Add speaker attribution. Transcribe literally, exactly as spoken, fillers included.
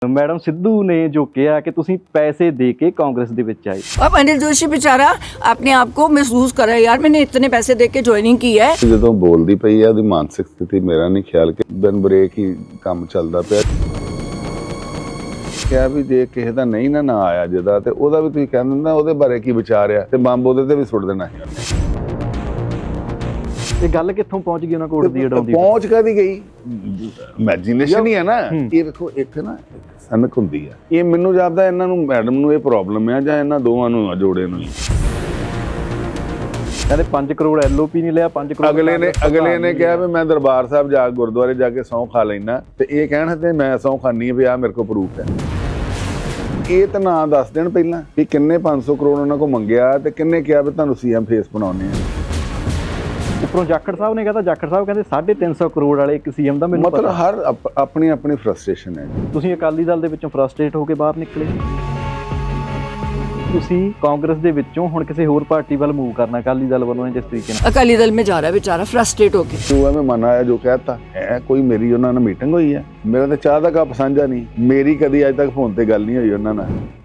Speaker 1: Madam Sidhu ने जो किया कि तुसी पैसे दे के कांग्रेस दे विच आए।
Speaker 2: अब अनिल जोशी बेचारा अपने आप को महसूस कर रहा है, यार मैंने इतने पैसे दे के ज्वाइनिंग की है।
Speaker 3: ਜਦੋਂ ਬੋਲਦੀ ਪਈ ਆ ਉਹਦੀ ਮਾਨਸਿਕ ਸਥਿਤੀ ਮੇਰਾ ਨਹੀਂ ਖਿਆਲ ਕਿ ਬਿਨ ਬ੍ਰੇਕ ਹੀ ਕੰਮ ਚੱਲਦਾ ਪਿਆ। ਕਿਹਾ ਵੀ ਜੇ ਕਿਸੇ ਦਾ ਨਹੀਂ ਨਾ ਨਾ ਆਇਆ ਜਿਹਦਾ ਤੇ ਉਹਦਾ ਵੀ ਤੁਸੀਂ ਕਹਿ ਦਿੰਦਾ ਉਹਦੇ ਬਾਰੇ ਕੀ ਵਿਚਾਰ ਆ ਤੇ ਬੰਬ ਉਹਦੇ ਤੇ ਵੀ ਸੁੱਟ ਦੇਣਾ ਸੀ।
Speaker 1: ਇਹ ਗੱਲ ਕਿੱਥੋਂ ਪਹੁੰਚ ਗਈ ਉਹਨਾਂ ਕੋਲ ਦੀ ਅਡਾਉਂਦੀ
Speaker 3: ਪਹੁੰਚ ਕਾਦੀ ਗਈ ਇਮੇਜਿਨੇਸ਼ਨ ਹੀ ਹੈ ਨਾ। ਇਹ ਵੇਖੋ ਇੱਕ ਨਾ ਸਨਕ ਹੁੰਦੀ ਆ, ਇਹ ਮੈਨੂੰ ਜਾਪਦਾ ਇਹਨਾਂ ਨੂੰ ਮੈਡਮ ਨੂੰ ਇਹ ਪ੍ਰੋਬਲਮ ਆ ਜਾਂ ਇਹਨਾਂ ਦੋਵਾਂ ਨੂੰ ਜੋੜੇ ਨੂੰ ਹੀ।
Speaker 1: ਕਹਿੰਦੇ ਪੰਜ ਕਰੋੜ ਐਲਓਪੀ ਨਹੀਂ ਲਿਆ, ਪੰਜ ਕਰੋੜ
Speaker 3: ਅਗਲੇ ਨੇ ਅਗਲੇ ਨੇ ਕਿਹਾ ਵੀ ਮੈਂ ਦਰਬਾਰ ਸਾਹਿਬ ਜਾ ਗੁਰਦੁਆਰੇ ਜਾ ਕੇ ਸਹੁੰ ਖਾ ਲੈਣਾ ਤੇ ਇਹ ਕਹਿਣ ਤੇ ਮੈਂ ਸਹੁੰ ਖਾਨੀ ਆ ਵੀ ਆ ਮੇਰੇ ਕੋਲ ਪ੍ਰੂਫ ਹੈ। ਇਹ ਤਾਂ ਨਾ ਦੱਸ ਦੇਣ ਪਹਿਲਾਂ ਕਿ ਕਿੰਨੇ ਪੰਜ ਸੌ ਕਰੋੜ ਉਹਨਾਂ ਕੋਲ ਮੰਗਿਆ ਤੇ ਕਿੰਨੇ ਕਿਹਾ ਵੀ ਤੁਹਾਨੂੰ ਸੀਐਮ ਫੇਸ ਬਣਾਉਣੇ ਆ।
Speaker 1: ਉੱਪਰੋਂ ਜਾਖੜ ਸਾਹਿਬ ਨੇ ਕਹਿੰਦਾ ਜਾਖੜ ਸਾਹਿਬ ਕਹਿੰਦੇ ਸਾਢੇ ਤਿੰਨ ਸੌ ਕਰੋੜ ਵਾਲੇ ਇੱਕ ਸੀਐਮ ਦਾ ਮੈਨੂੰ
Speaker 3: ਮਤਲਬ ਹਰ ਅਪ- ਆਪਣੀ ਆਪਣੀ ਫਰਸਟ੍ਰੇਸ਼ਨ ਹੈ।
Speaker 1: ਤੁਸੀਂ ਅਕਾਲੀ ਦਲ ਦੇ ਵਿੱਚੋਂ ਫਰਸਟ੍ਰੇਟ ਹੋ ਕੇ ਬਾਹਰ ਨਿਕਲੇ, ਤੁਸੀਂ ਕਾਂਗਰਸ ਦੇ ਵਿੱਚੋਂ ਹੁਣ ਕਿਸੇ ਹੋਰ ਪਾਰਟੀ ਵੱਲ ਮੂਵ ਕਰਨਾ ਅਕਾਲੀ ਦਲ ਵੱਲੋਂ ਜਿਸ ਤਰੀਕੇ ਨਾਲ
Speaker 2: अकाली दल में जा रहा है बेचारा फ्रस्ट्रेट होके।
Speaker 3: ਜੋ ਐਵੇਂ ਮਨ ਆਇਆ ਜੋ ਕਹਿਤਾ ਹੈ, ਕੋਈ ਮੇਰੀ ਉਹਨਾਂ ਨਾਲ ਮੀਟਿੰਗ ਹੋਈ ਹੈ, ਮੇਰਾ ਤਾਂ ਚਾਹ ਦਾ ਕੱਪ ਸਾਂਝਾ ਨਹੀਂ, ਮੇਰੀ ਕਦੀ ਅੱਜ ਤੱਕ ਫੋਨ ਤੇ ਗੱਲ ਨਹੀਂ ਹੋਈ ਉਹਨਾਂ ਨਾਲ।